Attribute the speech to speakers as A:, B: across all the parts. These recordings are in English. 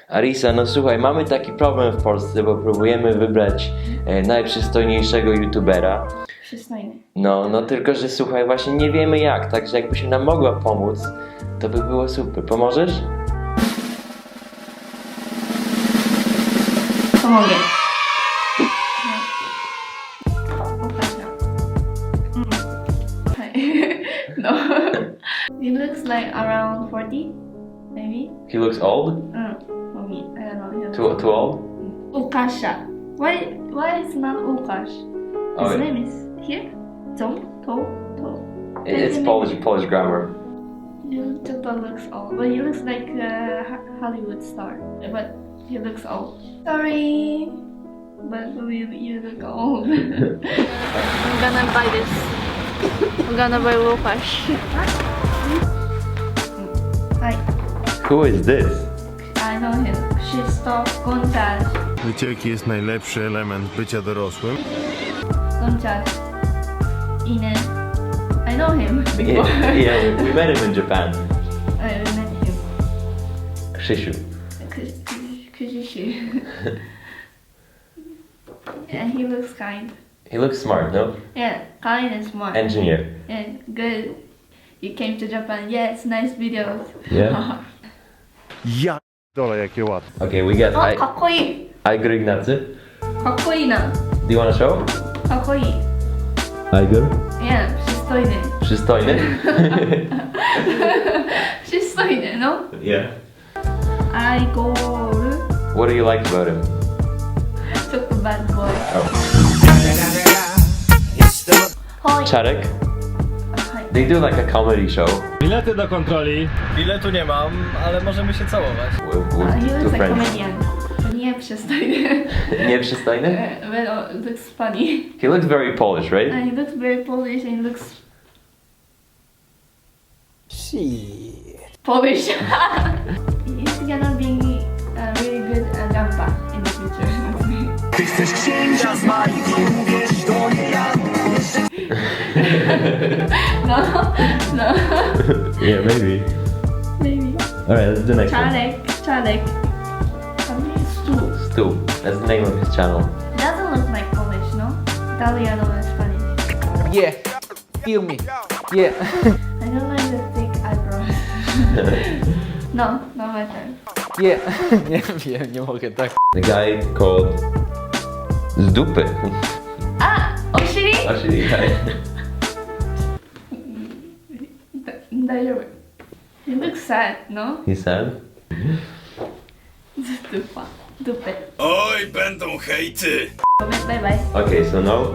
A: Arisa, no słuchaj, mamy taki problem w Polsce, bo próbujemy wybrać najprzystojniejszego youtubera.
B: Przystojny.
A: No tylko, że słuchaj, właśnie nie wiemy jak, także jakbyś nam mogła pomóc, to by było super. Pomożesz?
B: Pomogę. No. He looks like around 40, maybe.
A: He looks old?
B: For me, I don't know.
A: Too old?
B: Ukasha. Why is not Ukash?
A: Oh,
B: His
A: yeah.
B: name is here. To.
A: It's Polish grammar.
B: YouTuber looks old, but he looks like a Hollywood star. But he looks old. Sorry, but you look old. I'm gonna buy this. I'm gonna buy Lukash. Hi,
A: Who is this?
B: I know him. Krzysztof Gonczarz.
C: Wiecie, jaki jest najlepszy element bycia dorosłym?
B: Gonczarz. Inen. I know him.
A: Yeah, we met him in Japan.
B: I met him.
A: Krzysiu.
B: Krzysiu. And he looks kind.
A: He looks smart, no?
B: Yeah, kind and smart.
A: Engineer.
B: Yeah, good. You came to Japan. Yeah, it's nice videos.
A: Yeah?
C: Ja dole, jakie łatwe.
A: Okay, we got
B: あ、かっこいい。
A: Igor Ignacy.
B: かっこいいな。
A: Do you wanna show?
B: かっこいい。
A: Igor?
B: Yeah, przystojny.
A: Przystojny?
B: Przystojny, no.
A: Yeah.
B: Igor.
A: What do you like about him?
B: ちょっと bad boy.
A: Oh.
B: はい。
A: Czarek?
B: はい。
A: They do like a comedy show.
D: Bilety do kontroli.
E: Biletu nie mam, ale możemy się całować.
A: With
B: He
A: two
B: looks like
A: friends.
B: comedian. To nie przystojny.
A: Nieprzystojny?
B: But it looks funny.
A: He looks very Polish, right?
B: And he looks very Polish and he looks Polish. He's gonna be a really good jumper in the future. No, no,
A: Yeah, maybe.
B: maybe.
A: Alright, let's do next one.
B: Czarek. Stu.
A: Stu. That's the name of his channel.
B: Doesn't look like Polish, no? Italiano and Spanish.
E: Yeah, feel me. Yeah.
B: I don't like the thick eyebrows. No, not my turn.
E: Yeah. Nie wiem, nie mogę tak.
A: The guy called Zdupy.
B: Ah, Oshiri?
A: Actually, guy.
B: He looks sad, no?
A: He's sad.
B: Dupa. Dupy.
C: Oj, będą hejty!
B: Bye bye.
A: Okay, so now.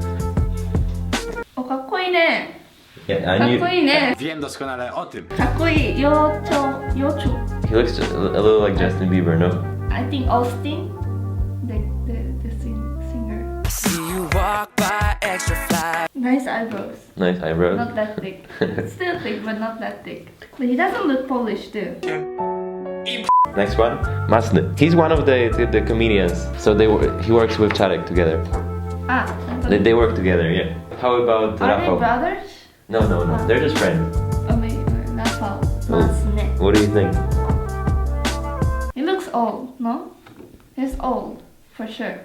B: お、かっこいいね。
A: Yeah,
B: か
A: I
B: っ
A: knew
B: こいいね。
D: Wiem doskonale o tym.
B: かっこいい。よちょ。
A: he looks a little like Justin Bieber, no?
B: I think Austin, the singer.
F: See you walk by extra fly.
B: Nice eyebrows.
A: Nice eyebrows.
B: Not that thick. Still thick, but not that thick. But he doesn't look Polish too.
A: Next one, Masny. He's one of the comedians. So he works with Czarek together.
B: Ah,
A: They work together, yeah. How about
B: are they
A: Rafał?
B: brothers?
A: No, they're just friends.
B: Oh, wait, Rafał. Masne.
A: What do you think?
B: He looks old, no? He's old, for sure.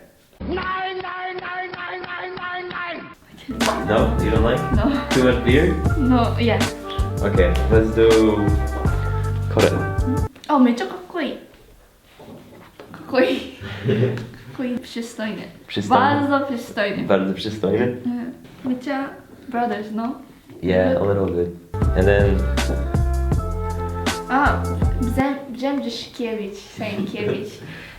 A: No, you don't like?
B: No,
A: Too much beard?
B: no, yeah.
A: Okay, let's do Kore.
B: あ、めっちゃかっこいい。かっこいい。かっこいい。przystojny.
A: Przystojny.
B: Bardzo przystojny.
A: Bardzo przystojny.
B: めっちゃ brothers, no?
A: Yeah, a little bit. And then
B: Brzęczyszkiewicz, Sękiewicz.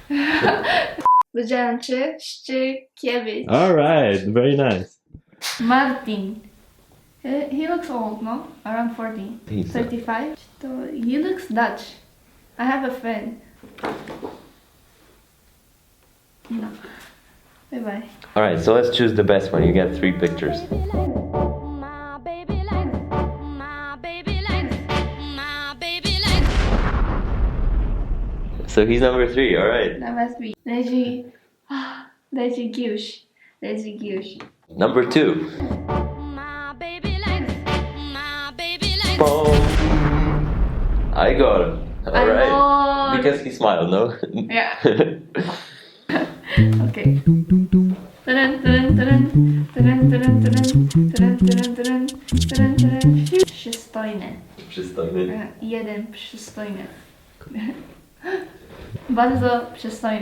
B: Brzęczyszkiewicz.
A: all right, very nice.
B: Martin. He looks old, no? Around 40.
A: He's
B: 35. So he looks Dutch. I have a friend. No. Bye bye.
A: all right. So let's choose the best one. You get 3 pictures.
F: My baby likes, my baby likes, my baby likes.
A: So he's number 3. All right.
B: That must be Leży Giusz. Leży Giusz.
A: Number 2.
F: My baby likes, my baby likes.
A: Boom. Igor. All right. because he smiled, no?
B: Yeah. Okay. Dun, dun, dun, dun, dun, dun, dun, dun, dun, dun, dun, dun. Przystojny.
A: Przystojny.
B: Jeden przystojny. Bardzo przystojny.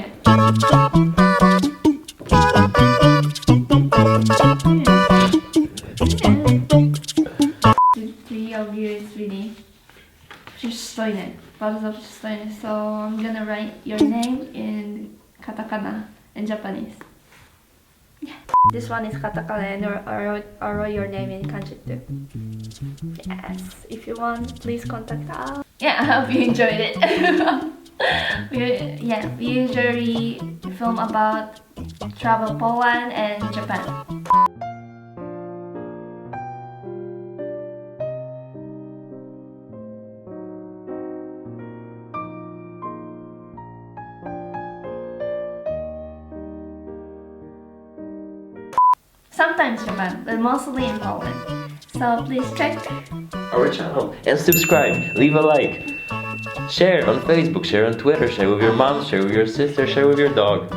B: Three of you is really przystojny. Bardzo przystojny. So I'm gonna write your name in katakana in Japanese. This one is katakana and I wrote your name in kanji too. Yes, if you want, please contact us. Yeah, I hope you enjoyed it. we usually film about travel Poland and Japan. Sometimes Japan, but mostly in Poland. So please check.
A: Our channel and subscribe. Leave a like. Share on Facebook, share on Twitter, share with your mom, share with your sister, share with your dog.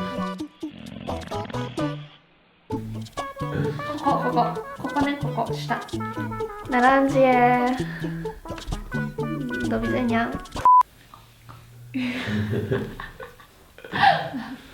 B: ここね、ここ、下。Na razie. Do widzenia.